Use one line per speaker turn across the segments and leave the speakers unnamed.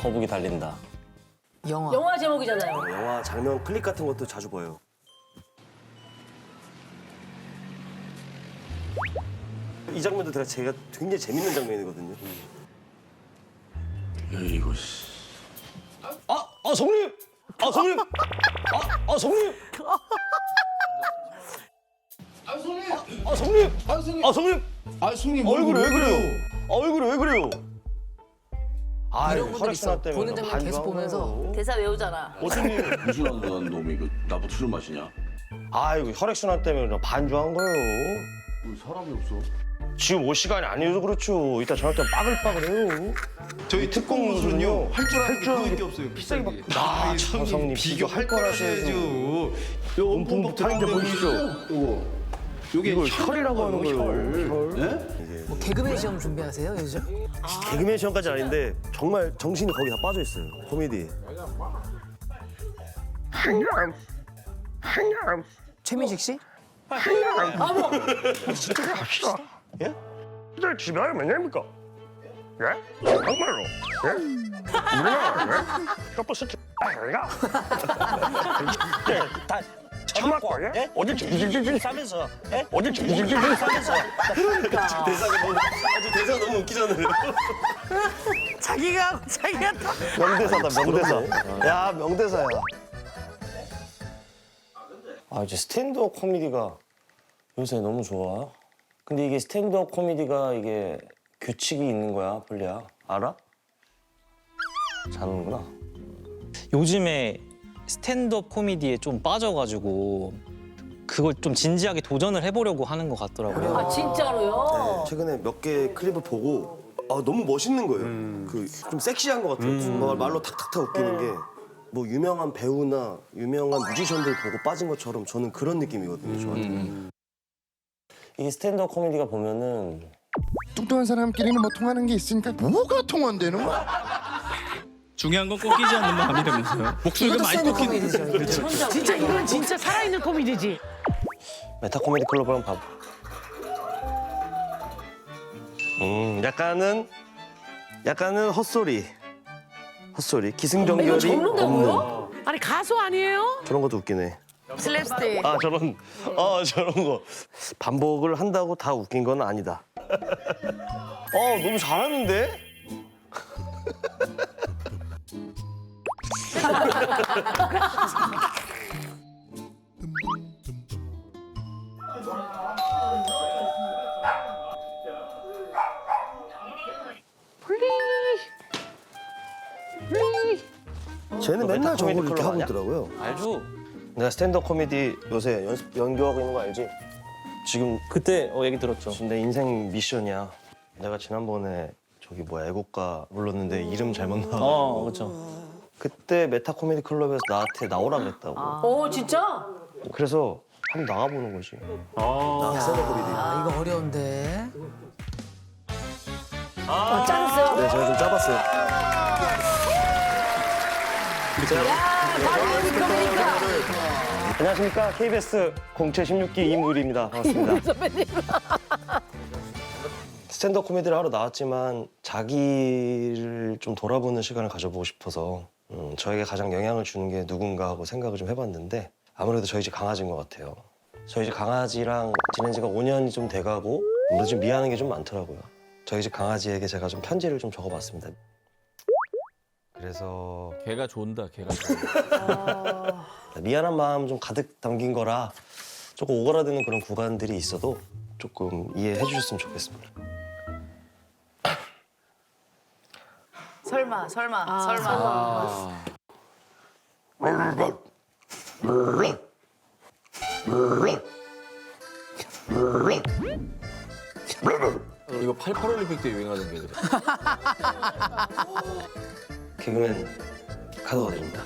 거북이 달린다.
영화 제목이잖아요.
영화 장면 클립 같은 것도 자주 봐요. 이 장면도 제가 굉장히 재밌는 장면이거든요.
이거 씨.
성님! 성님! 성님! 성님! 성님!
성님
얼굴이 왜 그래요? 얼굴이 왜 그래요?
이런 분들 있어.
때문에
보는 장면
반주한
계속 보면서.
거예요.
대사 외우잖아.
어쩌니?
무슨 놈이 나보고 술 마시냐?
아이고 혈액순환 때문에 그냥 반주한 거예요.
왜 사람이 없어?
지금 올 시간이 아니어서 그렇죠. 이따 저녁 때 빠글빠글해요.
저희 특공무술은요 할 줄 아는 게 그거밖에 없어요.
비싸게
비싸게.
아,
형님
성님
비교할 거라셔야죠. 요
문풍부터 하는데 보이시죠?
요거. 요게
혈이라고 하는 거예요.
네?
뭐 개그맨 시험 준비하세요 요즘?
개그맨 시험까지 아닌데 정말 정신이 거기 다 빠져 있어요. 코미디에.
최민식 씨?
예? 근데 집에 가면 왜냐입니까? 예? 정말로? 예? 우리나라 예? 셔터 스트 아이가? 예, 다 처맞고 예? 어디 질질질질 싸면서 예? 어디 질질질질 싸면서
대사가 너무 웃기잖아요.
자기가 또.
명대사다 명대사. 야 명대사야.
이제 스탠드업 코미디가 요새 너무 좋아. 근데 이게 스탠드업 코미디가 이게 규칙이 있는 거야, 폴리야. 알아? 자는구나.
요즘에 스탠드업 코미디에 좀 빠져가지고 그걸 좀 진지하게 도전을 해보려고 하는 것 같더라고요.
아 진짜로요?
최근에 몇 개 클립을 보고 너무 멋있는 거예요. 그 좀 섹시한 것 같아요. 정말 말로 탁탁탁 웃기는 게 뭐 유명한 배우나 유명한 뮤지션들 보고 빠진 것처럼 저는 그런 느낌이거든요. 저한테.
이게 스탠드업 코미디가 보면은
뚱뚱한 사람끼리는 뭐 통하는 게 있으니까 뭐가 통한다는 거야?
중요한 건 꺾이지 않는 마음이라면서요. 목소리가 많이
스탠드
꺾이는.
코미디죠. 이거.
진짜 이건 진짜 살아있는 코미디지.
메타 코미디 클럽 한번 봐봐.
약간은 헛소리.
이거
기승전결이
접는다고요?
없는
아니 가수 아니에요?
저런 것도 웃기네.
슬랩스틱.
저런 거 반복을 한다고 다 웃긴 건 아니다.
너무 잘하는데?
쟤는 맨날
메타
저걸
코미디
이렇게
클럽
하고
아니야?
있더라고요.
알죠? 내가 스탠드업 코미디 요새 연구하고 있는 거 알지? 지금
그때 얘기 들었죠.
지금 내 인생 미션이야. 내가 지난번에 저기 애국가 불렀는데 이름 잘못 나와.
그렇죠.
그때 메타 코미디 클럽에서 나한테 나오라 그랬다고.
오 진짜?
그래서 한번 나가보는 거지.
스탠드업 코미디.
이거 어려운데.
짠했어요?
네, 제가 좀 짜봤어요.
안녕하십니까. KBS 공채 16기 이무일입니다. 반갑습니다. 스탠드업 코미디를 하러 나왔지만 자기를 좀 돌아보는 시간을 가져보고 싶어서 저에게 가장 영향을 주는 게 누군가 하고 생각을 좀 해봤는데 아무래도 저희 집 강아지인 것 같아요. 저희 집 강아지랑 지낸 지가 5년이 좀 돼가고 아무래도 좀 미안한 게 좀 많더라고요. 저희 집 강아지에게 제가 좀 편지를 좀 적어봤습니다. 그래서
걔가 좋은다, 걔가 좋은다.
미안한 마음 좀 가득 담긴 거라 조금 오그라드는 그런 구간들이 있어도 조금 이해해 주셨으면 좋겠습니다.
설마.
이거 88 올림픽 때 유행하던 게 그래.
개그맨 카드가 됩니다.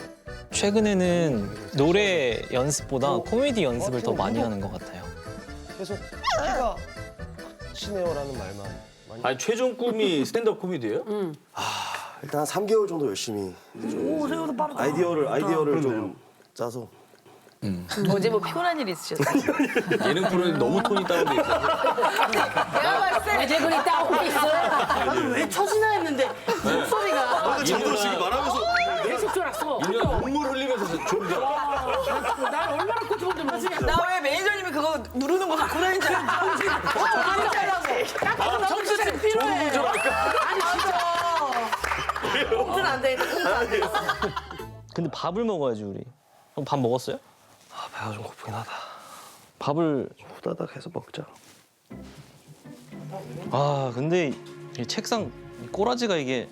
최근에는 노래 연습보다 코미디 연습을 더 많이 하는 것 같아요.
계속 키가 치네요라는 말만 많이.
아니 최종 꿈이 스탠드업 코미디예요?
일단 한 3개월 정도 열심히
오 생각보다 빠르다.
아이디어를 좀 짜서
어제 뭐 피곤한 일 있으셨어요?
예능 프로에 너무 톤이 다운돼 있어.
내가 봤을 때 대본이 따오고 있어요.
나도 왜 처지나 했는데 목소리가.
저도
눈물 흘리면서 존재.
난 얼마나 고통을 모르지.
나 왜 매니저님이 그거 누르는 거 갖고 다니는 줄 알았어.
정수생 필요해. 아니 진짜.
꽁트는 안 돼.
근데 밥을 먹어야지 우리. 형 밥 먹었어요?
아, 배가 좀 고프긴 하다.
밥을
후다닥 해서 먹자.
아 근데 이 책상 이 꼬라지가 이게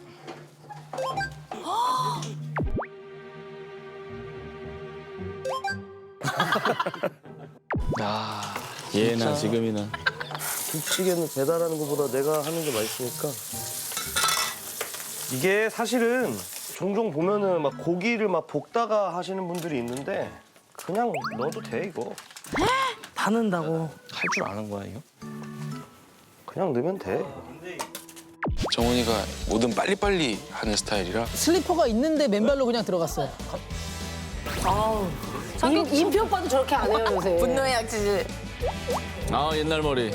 야
예나 지금이나.
김치찌개는 배달하는 것보다 내가 하는 게 맛있으니까.
이게 사실은 종종 보면은 막 고기를 막 볶다가 하시는 분들이 있는데 그냥 넣어도 돼 이거.
다 넣는다고.
할 줄 아는 거야 이거?
그냥 넣으면 돼.
정훈이가 뭐든 빨리빨리 하는 스타일이라
슬리퍼가 있는데 맨발로 그냥 들어갔어요.
임표 오빠도 저렇게 안 해요 요새.
분노의 약지질.
아 옛날 머리.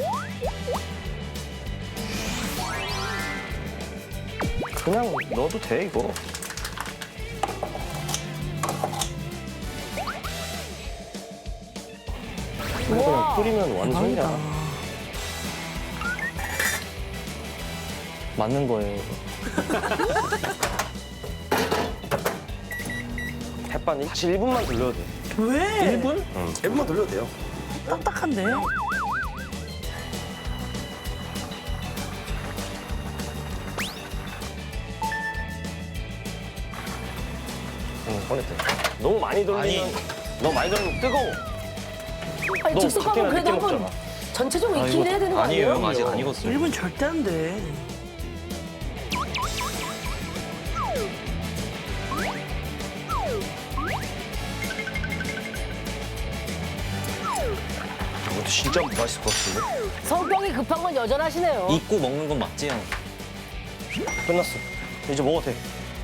그냥 넣어도 돼 이거. 그냥 끓이면 완성이야.
맞는 거예요. 이거.
햇반 사실 1분만 돌려도 돼.
왜?
1분?
1분만 돌려도 돼요.
딱딱한데.
꺼냈대. 너무 많이 돌리면 너무 많이 돌리면 뜨거워.
아니
너
즉석밥은
밖에는
그래도
늦게
한번
먹잖아.
전체적으로 익히긴 해야 되는 거
아니에요.
아니에요?
형 아직 안 익었어요.
1분 절대 안 돼.
이것도 진짜 맛있을 것 같은데?
성격이 급한 건 여전하시네요.
익고 먹는 건 맞지 형?
끝났어. 이제 먹어도 돼.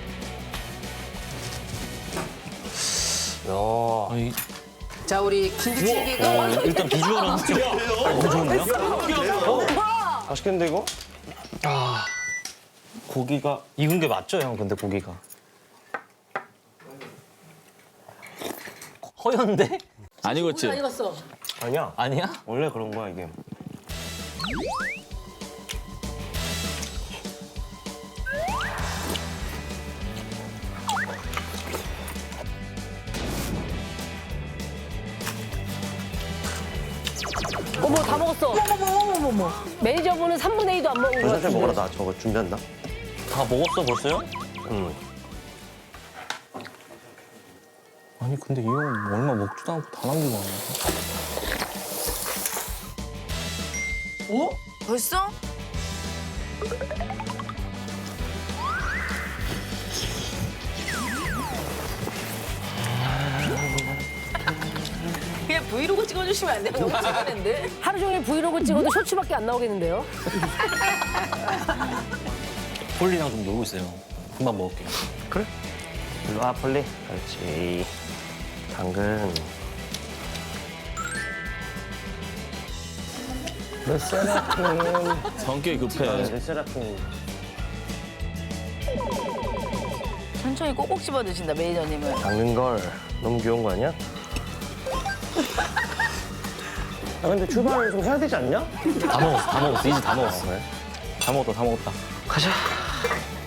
야,
아니,
자 우리 김치찌개가
일단 비주얼은 확실히 너무 좋은데요?
맛있겠는데 이거?
아 고기가 익은 게 맞죠 형? 근데 고기가 허연데?
안 익었지?
안 익었어.
아니야.
아니야?
원래 그런 거야 이게.
어머 다 먹었어. 어머머머머머. 매니저분은 3분의 2도 안 먹은 거
천천히
같은데.
먹어라. 나 저거 준비한다.
다 먹었어 벌써요?
응.
아니 근데 이 형 얼마 먹지도 않고 다 남기고 하네.
벌써? 그냥 브이로그 찍어주시면 안 돼요? 너무 찍어낸데?
하루 종일 브이로그 찍어도 쇼츠밖에 안 나오겠는데요?
폴리랑 좀 놀고 있어요. 금방 먹을게요.
일로 와 폴리. 그렇지. 당근. 르세라핌.
성격이 급해.
르세라핌.
천천히 꼭꼭 씹어 드신다 매니저님은.
당근 걸 너무 귀여운 거 아니야? 아 근데 출발을 좀 해야 되지 않냐?
다 먹었어, 다 먹었어. 이제 다 먹었어. 다 먹었다, 다 먹었다.
가자.